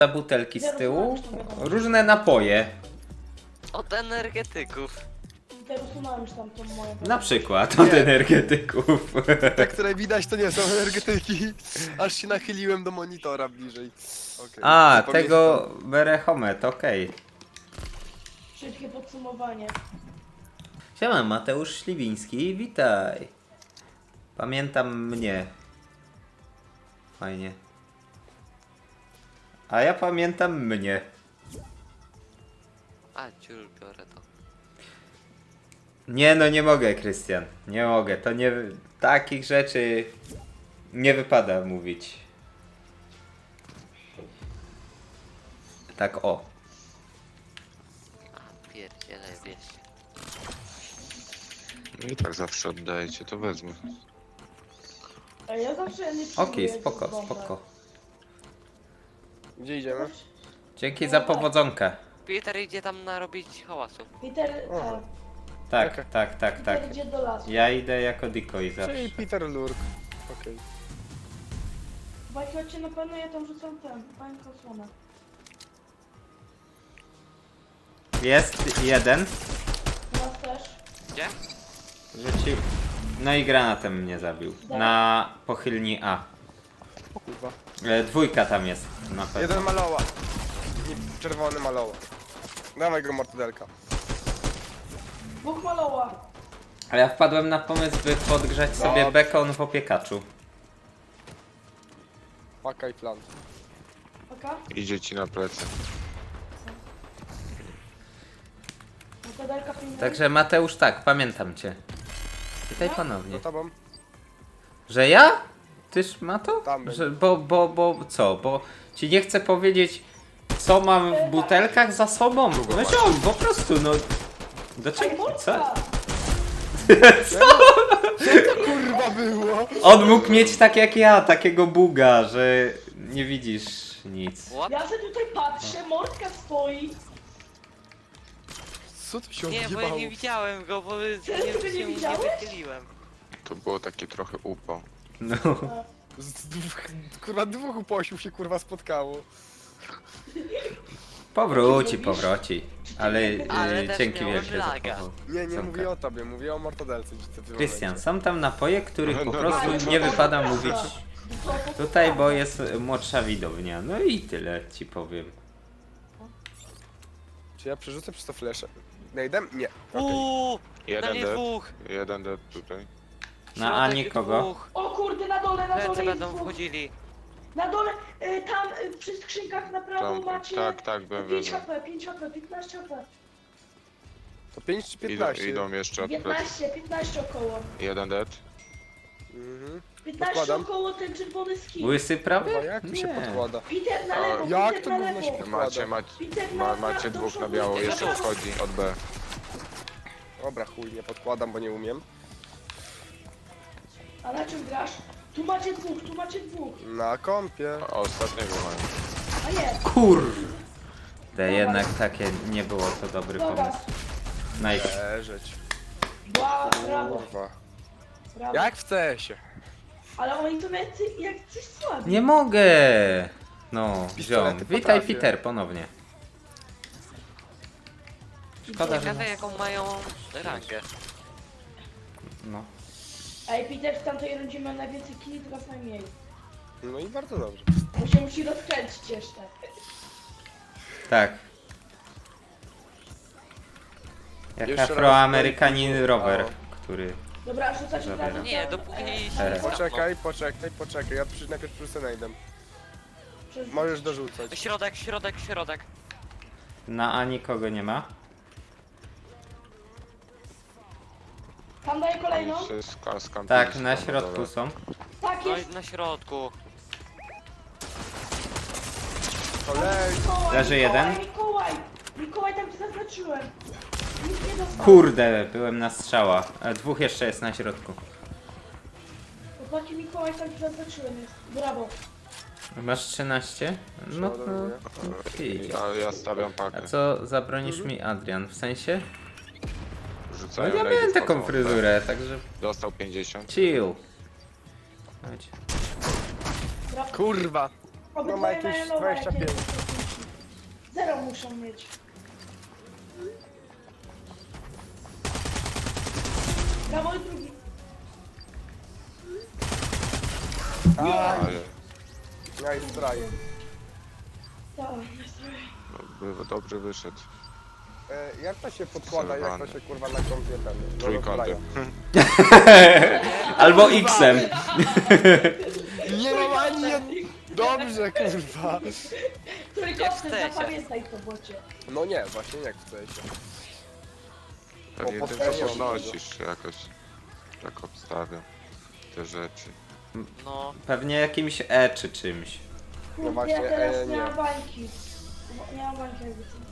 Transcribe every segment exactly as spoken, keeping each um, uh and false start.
butelki z tyłu, różne napoje. Od energetyków. Teraz usunąłem już tam tą moją. Na przykład od Nie. energetyków. Te, które widać, to nie są energetyki. Aż się nachyliłem do monitora bliżej. Okay. A, tego Berehomet, okej. Szybkie podsumowanie. Siema, Mateusz Śliwiński, witaj. Pamiętam mnie. Fajnie. A ja pamiętam mnie. A, ciul, biorę to. Nie no, nie mogę, Krystian. Nie mogę, to nie... Takich rzeczy nie wypada mówić. Tak o. A, pierdziele, wiesz. No i tak zawsze oddajecie, to wezmę. A ja zawsze nie Okej, przyjmuję spoko, tych bombek. spoko. Gdzie idziemy? Dzięki za powodzonkę. Peter idzie tam narobić hałasu. Peter, Aha. tak. Tak, Okej. tak, tak, tak. Peter idzie do lasu. Ja idę jako decoy zawsze. Czyli Peter Lurk. Okej. Bajki, chodźcie na pewno, ja tam rzucam ten, pańką osłonę. Jest jeden. Nas też. Gdzie? Rzucił. No i granatem mnie zabił. Na pochylni A. O kurwa. E, dwójka tam jest na pewno. Jeden maloła. I czerwony maloła. Dawaj go mortadelka. Dwóch maloła. A ja wpadłem na pomysł, by podgrzać sobie Dobrze. bekon w opiekaczu. Paka i plant. Oka? Idzie ci na plecy. Mokadelka pilna. Także Mateusz, tak, pamiętam cię. Witaj ponownie. Za tobą? Że ja? Tyż ma to? Tam był. Że, bo, bo, bo, co? Bo ci nie chcę powiedzieć, co mam w butelkach za sobą. No ziom, po prostu, no. Do Ej, czego? Co? Murka! Kurwa było! On mógł mieć tak jak ja, takiego buga, że nie widzisz nic. What? Ja se tutaj patrzę, mordka stoi. Co tu się Nie, bo ja odjebało? nie widziałem go, bo nie, Serio, ty nie się nie widziałeś? wychyliłem. To było takie trochę upał. No. Z dwóch, kurwa dwóch uposiów się kurwa spotkało. Powróci, powróci. Ale, Ale y, też dzięki miałem wielkie za laga. powo- Nie, nie Zonka. mówię o tobie, mówię o mortadelce. gdzie ty w tym Krystian, momencie. są tam napoje, których po No, no, prostu no. nie wypada mówić tutaj, bo jest młodsza widownia. No i tyle ci powiem. Czy ja przerzucę przez to flesze? Najdem? Nie. Okej. Uuu, na Jeden mnie dead. dwóch. Jeden dead tutaj. Na A Środek nikogo. dwóch. O kurde, na dole, na Plecy dole jest będą dwóch. wchodzili. Na dole, y, tam y, przy skrzynkach na prawo Tam, macie tak, tak, byłem pięć wiedział. HP, pięć HP, piętnaście HP. To pięć czy Idą, piętnaście? idą jeszcze od plecy. piętnaście, piętnaście około. Jeden dead. Mhm. piętnaście Podkładam. około ten czerwony skin. Łysy prawie? Kurwa, jak tu się Nie. podkłada? Peter na A, lewo, jak Peter to na gówno się lewo. podkłada? Macie, macie, Peter ma, na, macie do dwóch na przodu, biało, Peter jeszcze na prawo. wchodzi od B. Dobra, chuj, nie podkładam, bo nie umiem. A na czym grasz? Tu macie dwóch, tu macie dwóch. Na kompie. A ostatniego mają. A nie, Kurde, jednak takie nie było to dobry dobra. pomysł. Nice. Leżeć. Brawo, brawo, Kurwa. brawo. Jak w C S ie. Ale oni są jacy, jak coś słabi. Nie mogę! No, Pistolety ziom. Witaj potrafię. Peter ponownie. Szkoda, że... Ciekawe jaką mają rangę. No. Ej, Peter w tamtej rundzie miał najwięcej killi, teraz najmniej. No i bardzo dobrze. Bo się musi rozkręcić jeszcze. Tak. Jak Jeszcze raz afroamerykanin daj- rower, O. który... Dobra, rzucacie Zabiera. od razu Nie, ten, dopóki nie e, idzie. ten- Poczekaj, poczekaj, poczekaj. Ja przy, najpierw przerzucę najdem. przez- Możesz dorzucać. Środek, środek, środek. Na A nikogo nie ma. Tam daję kolejną? Oni się ska- skampili Tak, się na tam środku dole. są. Tak No jest. i na środku. Kolej. Mikołaj, Leży Mikołaj, jeden. Mikołaj, Mikołaj, tam cię zaznaczyłem. Nic nie dostał. Kurde, byłem na strzała. E, Dwóch jeszcze jest na środku. Chłopaki, Mikołaj, tam cię zaznaczyłem jest. Brawo. Masz trzynaście? No to... Przeładowuję. Idź. Ale ja stawiam A pakę. co zabronisz mi, Adrian? W sensie? No Rzucają ja lejdy, miałem wchodzą taką od B. fryzurę, także Dostał pięćdziesiąt. chill. Chodź. Brawo. Kurwa. Obydwoje ma jakieś mają nowe, dwadzieścia pięć. jakieś- Zero muszą mieć. Brawo i drugi. Ale Nice try. Tak, nastroje. no, by dobrze wyszedł. E, jak to się podkłada, jak to się kurwa na kompie ten... no, Trójkątem. Albo X-em. Nie mam ani jed... Dobrze, kurwa. Trójkątny, chcecie. zapamiętaj to, bocie. No nie, właśnie nie chcę się. Pewnie Po tym potworzeniu. co podnosisz jakoś. Tak obstawiam te rzeczy. No, Pewnie jakimś E czy czymś. Kurde, właśnie, ja teraz e, nie nie. mam bańki. Nie mam bańki jakby co.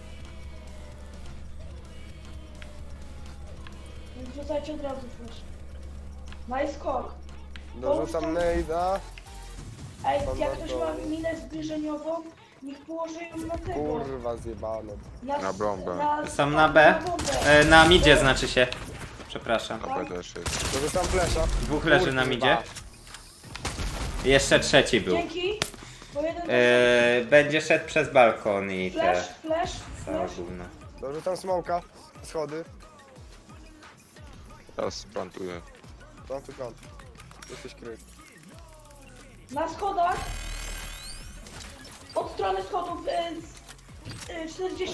Więc rzucajcie od razu flash. Nice skok. Dorzucam nade'a. Ej, Pan jak na ktoś to- ma minę zbliżeniową, niech położy ją na tego. Kurwa zjebane. Na bombę. Są na B? bombę. E, na midzie znaczy się. Przepraszam. Na B też jest. Dorzucam flesza. Dwóch leży na Kurwa. midzie. Jeszcze trzeci był. Dzięki. Bo jeden E, będzie szedł przez balkon i te flash, flash, całe flash. gówno. Dorzucam smoka. Schody. Teraz plantuję. Tam tu kąt. Jesteś kryt. Na schodach. Od strony schodów e, z, e, czterdzieści.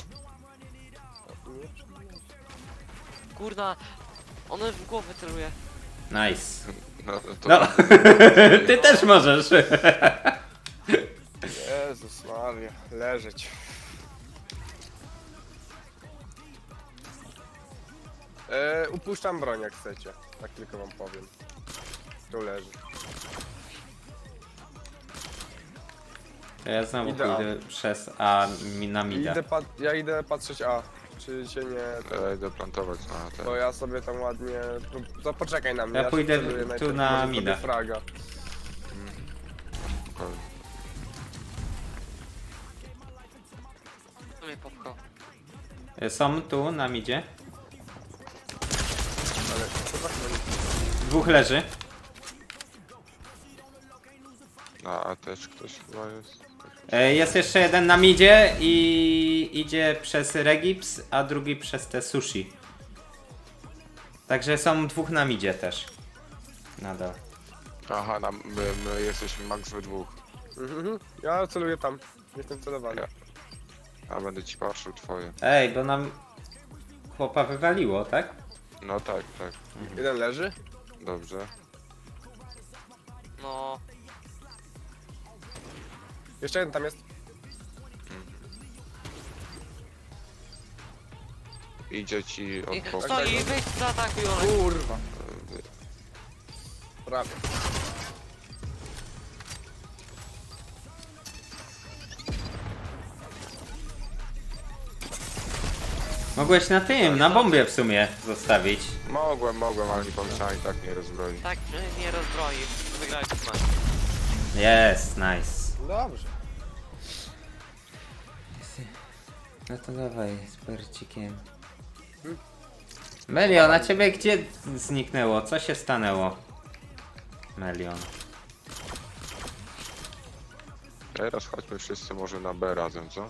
kurna. On w głowę celuje. Nice. No, to No, ty też możesz. Jezus Maria. Leżeć. E, upuszczam broń jak chcecie. Tak tylko wam powiem. Tu leży. Ja znowu Idę A. pójdę przez A mi- na I mida. Idę pa- ja idę patrzeć A. Czy się nie... Ja idę plantować na ten. Bo ja sobie tam ładnie... To poczekaj na mnie. Ja się pójdę celuję tu najpierw, na może sobie mida. Fraga. Spokojnie. Co mnie popchał? E, Są tu na midzie. Ale to tak nie... Dwóch leży. Na A też ktoś chyba jest. E, Jest jeszcze jeden na midzie i idzie przez Regips, a drugi przez te sushi. Także są dwóch na midzie też. Nadal. Aha, na, my, my jesteśmy max we dwóch. Mhm. Ja celuję tam. Jestem celowany. Ja. A będę ci patrzył twoje. Ej, bo nam chłopa wywaliło, tak? No tak, tak. Jeden leży. Dobrze. No, Jeszcze jeden tam jest. Idzie ci i od boku. stoi, weź zaatakuj Olek. Kurwa. Prawie. Mogłeś na tym, na bombie w sumie zostawić. Mogłem, mogłem, ale nie pomyślałem i tak nie rozbroi. Tak, że nie rozbroi. Wygrałeś mecz. Jest, nice. Dobrze. No to dawaj, z percikiem. Melion, a ciebie gdzie zniknęło? Co się stanęło? Melion. Teraz chodźmy wszyscy może na B razem, co?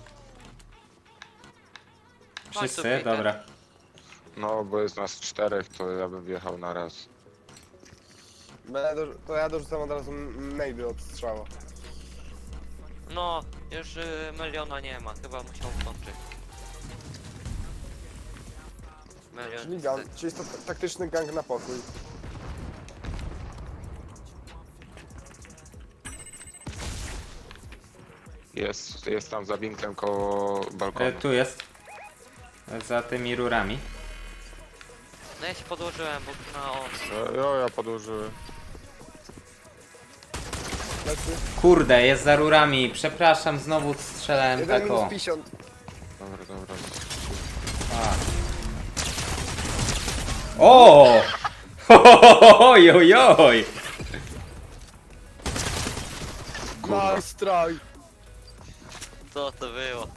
Wszyscy? Peter. Dobra. No, bo jest nas czterech, to ja bym wjechał na raz. Będę do, to ja dorzucam od razu nade od strzała. No, już y, Meliona nie ma, chyba musiał kończyć. Melion Czyli, gang, czyli jest to ta- taktyczny gang na pokój. Jest, jest tam za winklem koło E, balkonu. tu jest. Za tymi rurami. No ja się podłożyłem, bo na on. E, Jo, ja podłożyłem. Lecy. Kurde, jest za rurami. Przepraszam, znowu strzelałem Jeden tak minus o. pięćdziesiąt. Dobra, dobra. O! Oj, oj, oj. Nice try. Co to było?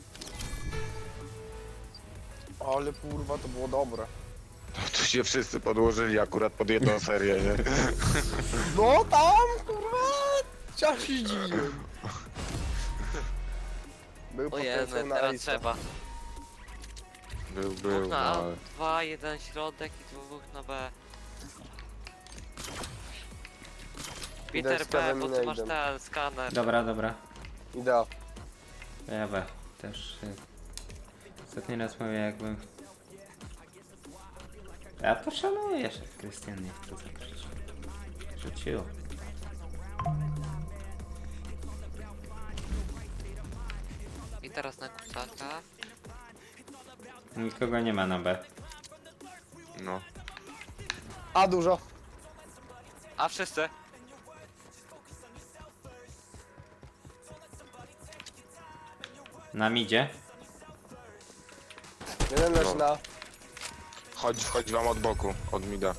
Ale kurwa, to było dobre. Tu się wszyscy podłożyli akurat pod jedną serię, nie? No tam, kurwa! Ciach się zdziwiłem. Był Ojej, potencjał na teraz Ace'a. trzeba. Był, Dwóch był, no na A, ale... dwa, jeden środek i dwóch na B. Peter z B, prawym bo ty masz nade'em. ten skaner. Dobra, dobra. Idea. Ja B. Też... y, Ostatni raz mówię jakbym... Ja to szanuję, że Krystian nie chce zakryć. Rzucił. I teraz na kusaka. Nikogo nie ma na B. No. A dużo. A wszyscy? Na midzie. Jeden leży No. na... Chodź, chodź wam od boku, od mida.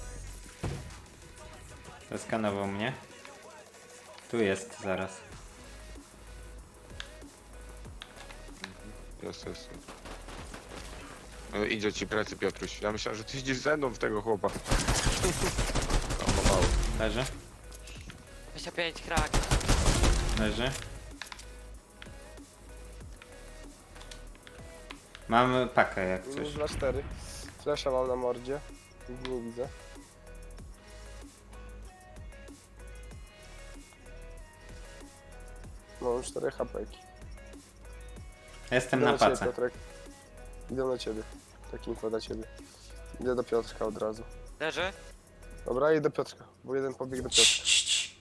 Zeskanował mnie. Tu jest zaraz. Jest, jest. No, idzie ci plecy, Piotruś. Ja myślałem, że ty idziesz ze mną w tego chłopa. Tam ma mało. Leży. dwadzieścia pięć krak. Leży. Mam pakę jak coś. Minus dwa cztery. Flesza mam na mordzie. Nic nie widzę. Mam cztery hapeki. Jestem Idę na ciebie, pace. Piotrek. Idę na ciebie. Taki info dla ciebie. Idę do Piotrka od razu. Leży? Dobra, idę do Piotrka, bo jeden pobiegł do Piotrka. Cii, cii, cii.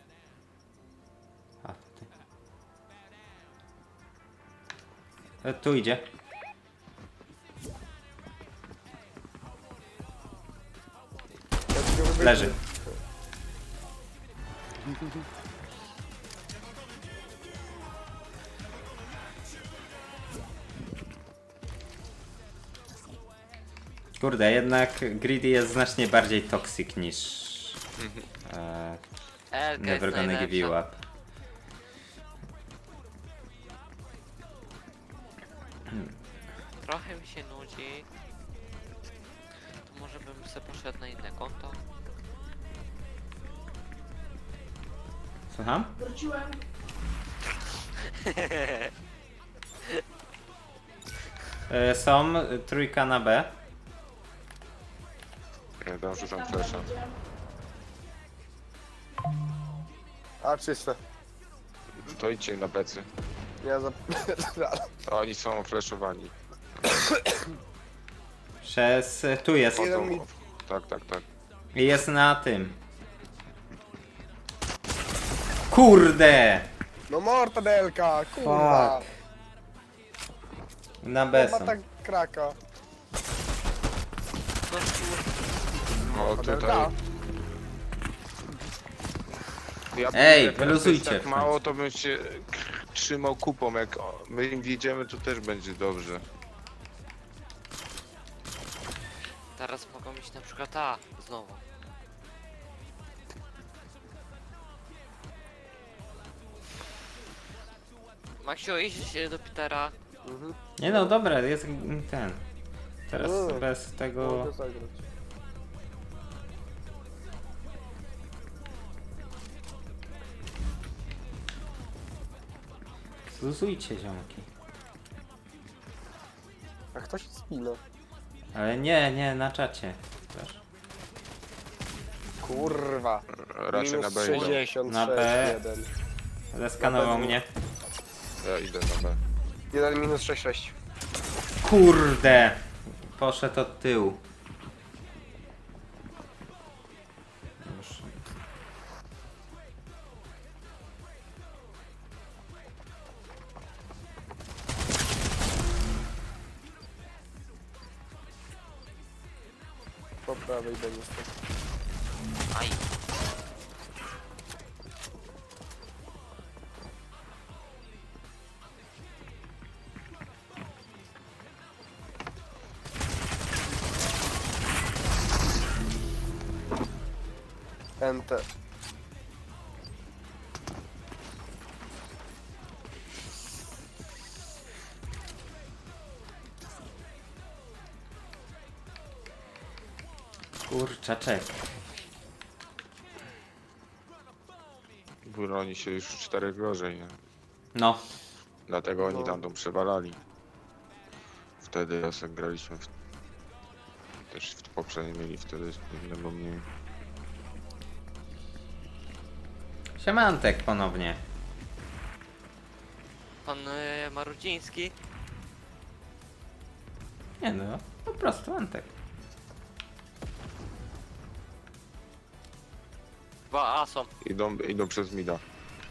A, ty. E, tu idzie. Piotrek wybiegł. Leży. Kurde, jednak Greedy jest znacznie bardziej toxic niż e, Elka jest Never gonna give you najlepsza. up. Trochę mi się nudzi. To może bym sobie poszedł na inne konto. Słucham? Wróciłem. E, są e, trójka na B. Ja tam rzucam flesza. A, czyste. To idźcie na plecy. Ja za... Oni są fleszowani. Przez... e, tu jest. Jeden Chodzą. mid. Tak, tak, tak. I jest na tym. Kurde! No mortadelka, kurwa. Fuck. Na B Chyba są. tak kraka. No kur... No Mortadelka. tutaj... Ja Ej, jak wyluzujcie jest w tak mało, końcu. to bym się trzymał kupą. Jak my im wjedziemy, to też będzie dobrze. Teraz mogą iść na przykład A znowu. Maksiu, idź do Petera. Mhm. Nie no, dobra, jest ten. Teraz Mm. bez tego... Mogę zagrać. Zluzujcie ziomki. A kto się spina? Ale nie, nie, na czacie. Też. Kurwa. Raczej na Minus B idą. sześćdziesiąt Na sześć, B. jeden. Zeskanował Na B. mnie. Ja idę na B. Jeden minus sześć sześć. Kurde! Poszedł od tyłu. Już. Po prawej będzie stać. Aj. Enter. Kurczaczek. Broni się już czterech gorzej, nie? No. Dlatego oni No. tam tą przewalali. Wtedy jak graliśmy w... Też w poprzedniej mieli wtedy jednego mniej. Siemantek ponownie. Pan e, Marudziński. Nie no, po prostu Antek. Chyba A są. Idą, idą przez mida.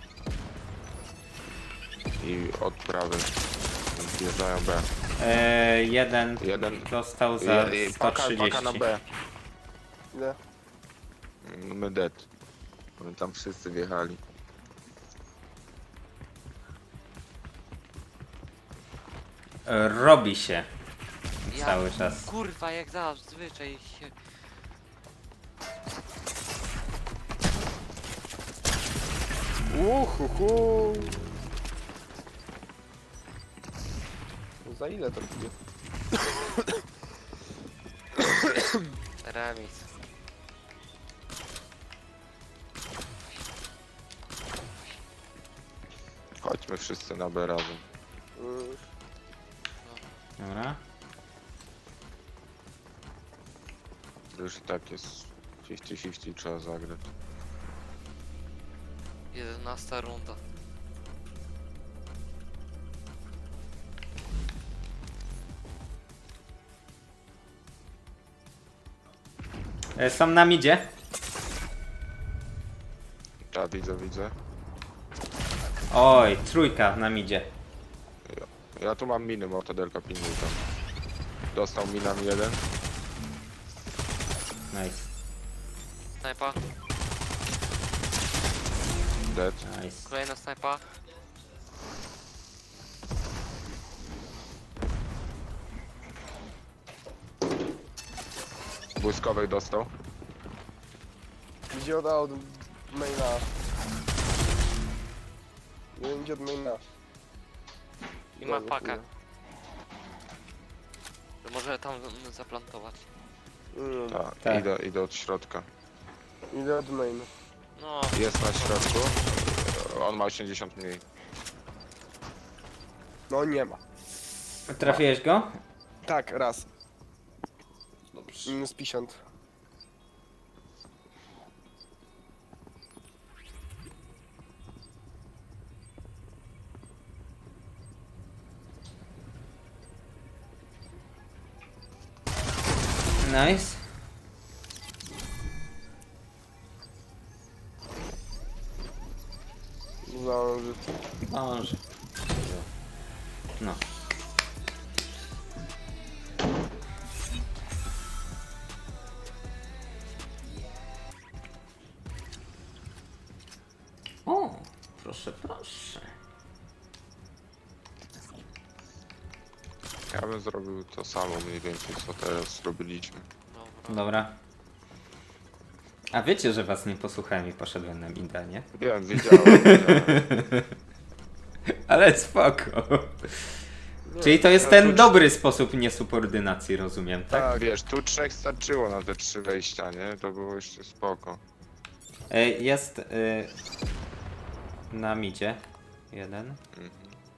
I od prawej. Wjeżdżają B. E, jeden Jeden. dostał za Je- je- sto paka, trzydzieści. paka na B. Ile? My dead. Oni tam wszyscy wjechali. E, Robi się Ja, cały czas. Kurwa, jak zazwyczaj się... Uhuhu. Za ile to będzie? Remis. Chodźmy wszyscy na B razem. Mm, Dobra. To już i tak jest pięćdziesiąt pięćdziesiąt, trzeba zagrać. jedenasta runda. E, Są na midzie. Tak, widzę, widzę. Oj, trójka na midzie. Ja tu mam miny, mortadelka pilnuje tam. Dostał minami jeden. Nice, Snajpa. Dead. nice. Kolejna snajpa. Błyskowej dostał. Idzie od A od maina. Nie wiem gdzie od maina. I ma Dobra, pakę. chuja. To może tam mm, zaplantować. Mm, Tak, Tak. Idę, idę od środka. Idę od maina. No, Jest na środku. On ma osiemdziesiąt mniej. No nie ma. Trafiłeś go? Tak, raz. Minus pięćdziesiąt. Nice. Zdąży. Może. No. O, proszę, proszę. Ja bym zrobił to samo mniej więcej co teraz zrobiliśmy. dobra. Dobra. A wiecie, że was nie posłuchałem i poszedłem na Minda, nie? Wiem, widziałem. widziałem. Ale spoko. Nie, Czyli to jest no ten to- dobry sposób niesubordynacji, rozumiem, tak? Tak. Wiesz, tu trzech starczyło na te trzy wejścia, nie? To było jeszcze spoko. E, Jest y, na midzie jeden. Mhm.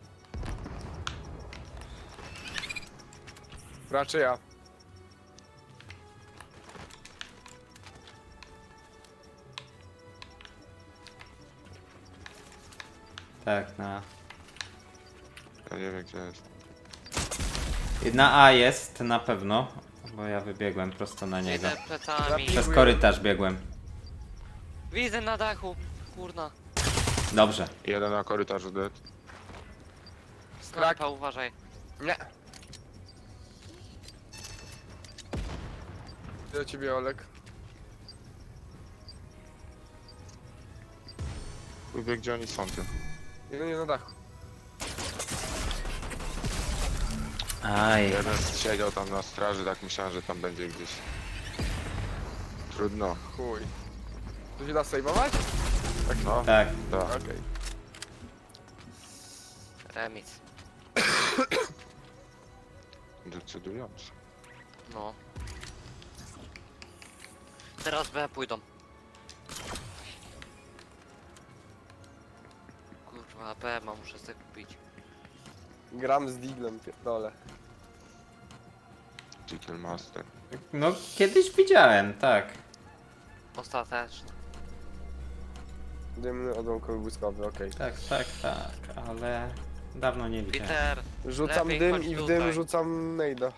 Raczej ja. Tak, na... Ja nie wiem gdzie jest. Na A jest na pewno, bo ja wybiegłem prosto na niego. Idę plecami. Przez korytarz biegłem. Widzę na dachu. Kurna. Dobrze. Jeden na korytarzu dead. Snajpa, uważaj. Nie. Do ciebie Olek. Chuj wie gdzie oni są ty. Jeden jest na dachu. Aj. Jeden siedział tam na straży, tak myślałem, że tam będzie gdzieś. Trudno. Chuj. To się da sejmować? Tak no? Tak. Tak. Okej. Remis. Decydująco. No. Teraz B pójdą. Kurwa, B ma, muszę sobie kupić. Gram z Diglem, pierdolę. Chicken Master. No, kiedyś widziałem, tak. Ostateczny. Dymny odłamkowy błyskowy, okej. Tak, tak, tak, ale dawno nie widziałem. Peter, Rzucam Lepiej dym chodź i w tutaj. dym rzucam nejda.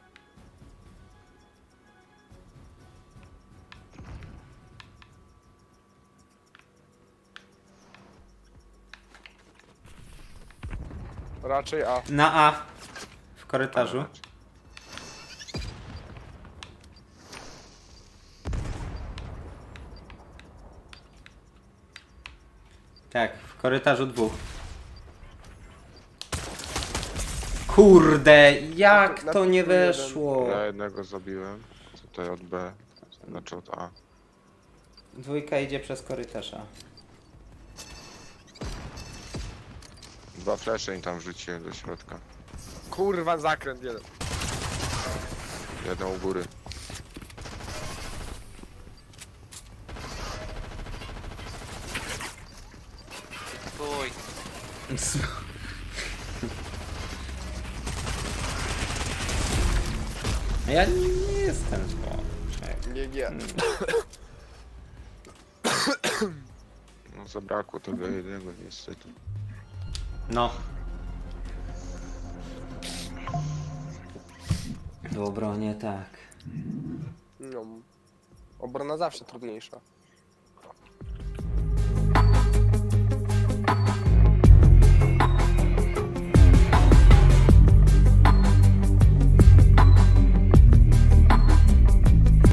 Raczej A. Na A. W korytarzu. Tak, w korytarzu dwóch. Kurde, jak Na to nie piku jeden. weszło? Ja jednego zabiłem. Tutaj od B. Znaczy od A. Dwójka idzie przez korytarza. Dwa flesze im tam wrzuciłem do środka. Kurwa, zakręt jeden. Jeden u góry. stój. Ja nie, nie jestem złoczek. Nie, nie. No zabrakło tego jednego niestety. No. W obronie tak. No. Obrona zawsze trudniejsza.